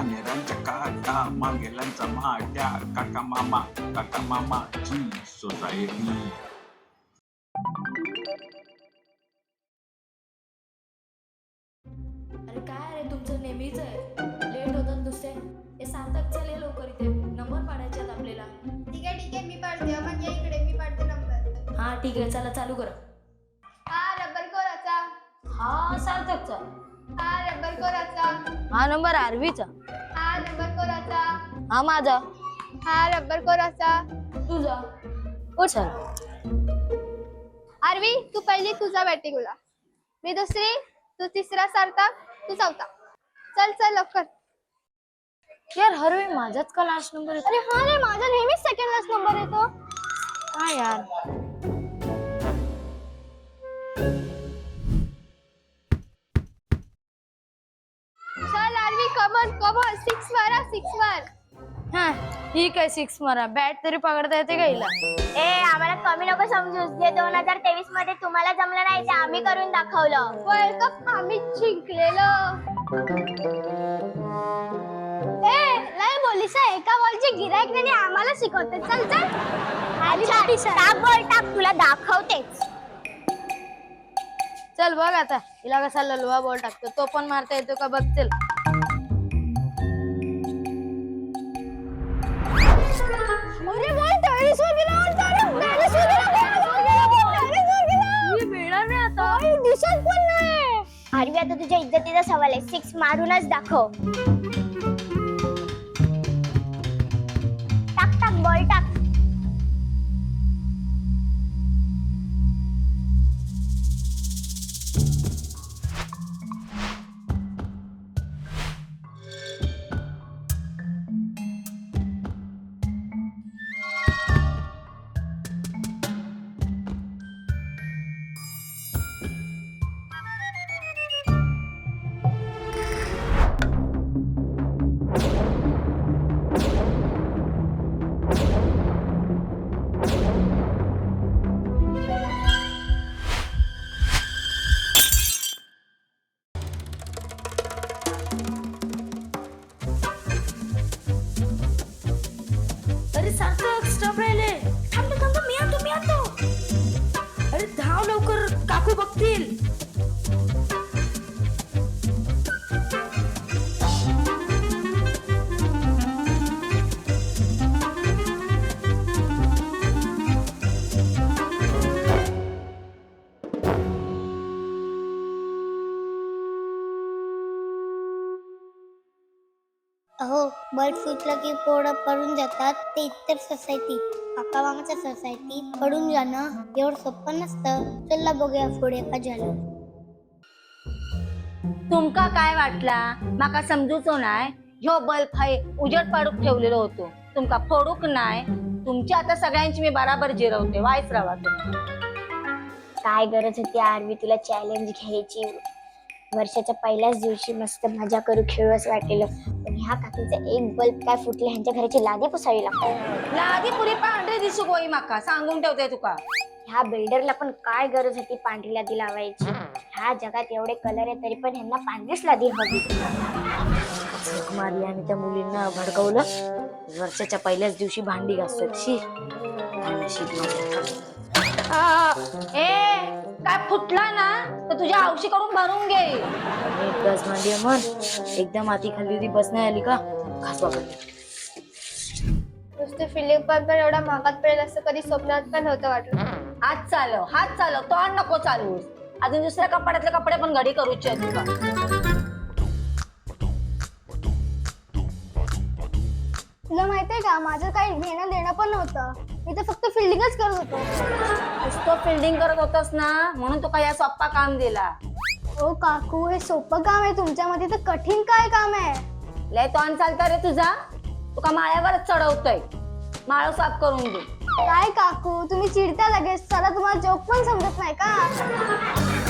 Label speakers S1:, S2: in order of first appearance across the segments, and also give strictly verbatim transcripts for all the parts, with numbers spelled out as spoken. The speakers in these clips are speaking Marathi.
S1: नेरांच्या काटा मागेलांचा माट्या काका मामा काका मामाची सोसायटी.
S2: अरे काय रे तुमचं नेहमीच आहे, लेट होतात नुसते. हे सार्थक चल ये लवकर, इथे नंबर पाडायचे आहेत आपल्याला.
S3: ठीक आहे ठीक आहे मी पाडते. मग या इकडे मी पाडते नंबर.
S2: हा ठीक आहे, चला चालू करा.
S3: हा रबर कोराचा.
S2: हा सार्थकचा.
S3: हा रबर कोराचा.
S4: हा नंबर आरवीचा.
S3: हा रबर कोराचा.
S4: हा माझा.
S3: हा रबर कोराचा.
S2: तुझा.
S4: हो चल.
S3: आरवी तू पहिली, तुझा बॅटिंगला. मी दुसरी, तू तिसरा सार्थक, तू चौथा. चल चल लवकर.
S4: यार हरवी माझाच का लास्ट नंबर येतो?
S3: अरे हा रे, माझा नेहमीच सेकंड लास्ट नंबर येतो.
S4: हा यार.
S3: चल आरवी कमन कमन सिक्स मारा सिक्स मार.
S4: हा ठीक आहे, सिक्स मारा. बॅट तरी पकडता येते का हिला?
S5: ए आम्हाला कमी नको समजूस. जे दोन हजार तेवीस मध्ये तुम्हाला जमलं नाही ते आम्ही करून दाखवलं.
S3: वर्ल्ड कप आम्ही जिंकलेलो. ए लय बोलीसा, एका बॉलचे गिराईक नाही आम्हाला शिकवते. चल चल
S5: अच्छा, टाक बॉल टाक, तुला दाखवतेच.
S4: चल बघ आता हिला कसा ललवा बॉल टाकतो. तो पण मारता येतो का बघ. चल
S3: अरे बॉल टेनिस वर गेला. टेनिस वर गेला.
S4: मी मिळणार नाही आता.
S3: दिसत पण नाही.
S5: आरवी आता तुझ्या इज्जतीचा सवाल आहे. सिक्स मारूनच दाखव. टाक टाक बॉल टाक.
S2: अरे सार्थक स्टॉप राहिले. थांब थांब, मी आणतो मी आणतो. अरे धाव लवकर, काकू बघतील.
S5: अहो बर्ड फुटलं की पोरं पडून जातात. ते इतर सोसायटी, काका मामाच्या सोसायटी पडून जाणं एवढं सोपं नसतं. चला बघूया पुढे का झालं.
S4: तुमका काय वाटला माका समजूचो नाय? ह्यो बल्ब हाय उजेड पाडूक ठेवलेलो होतो. तुमका फोडूक नाय. तुमची आता सगळ्यांची मी बराबर जिरवते. वाईस राहा तुम्ही.
S5: काय गरज होती आरवी तुला चॅलेंज घ्यायची? वर्षाच्या पहिल्याच दिवशी मस्त मजा करू, खेळू असं वाटलेलं. पण ह्या काकीचा एक बल्ब काय फुटले, ह्यांच्या घराची लादी पुसावी लागते.
S4: लादी पुरी पांढरी दिसू गोई माका, सांगून ठेवते तुका.
S5: ह्या बिल्डरला पण काय गरज होती पांढरी लादी लावायची? ह्या जगात एवढे कलर आहे तरी पण ह्यांना पांढरीच लादी हवी.
S4: झक मारली आणि त्या मुलींना भडकवलं. वर्षाच्या पहिल्याच दिवशी भांडी घासतात. शी ए काय फुटला ना तर तुझ्या औशी कडून भरून घे. एक गज भांडी म्हण. एकदम आती खाली होती, बस नाही आली का घास वापरली.
S3: नुसते फिलिंग पण पण एवढा महागात पडेल असं कधी स्वप्नात पण नव्हतं वाटलं.
S4: हात चालव हात चालव, तो नको चालू. अजून दुसऱ्या कपड्यातले कपडे पण घडी करूचे आहेत तुका.
S3: तुला माहितीये का, माझं काही घेणं देणं पण नव्हतं. मी तर फक्त फिल्डिंगच करत होतो.
S4: नुसतं फिल्डिंग करत होतस ना, म्हणून तुका या सोप्पा काम दिला.
S3: ओ काकू, हे सोपं काम आहे, तुमच्यामध्ये तर कठीण काय काम आहे?
S4: लय तोंड चालता रे तुझा. तुका माळ्यावरच चढवतोय. माळ साफ करून दे.
S3: काय काकू, तुम्ही चिडता लगेच. चला तुम्हाला जोक पण समजत नाही का?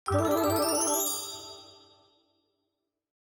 S5: हो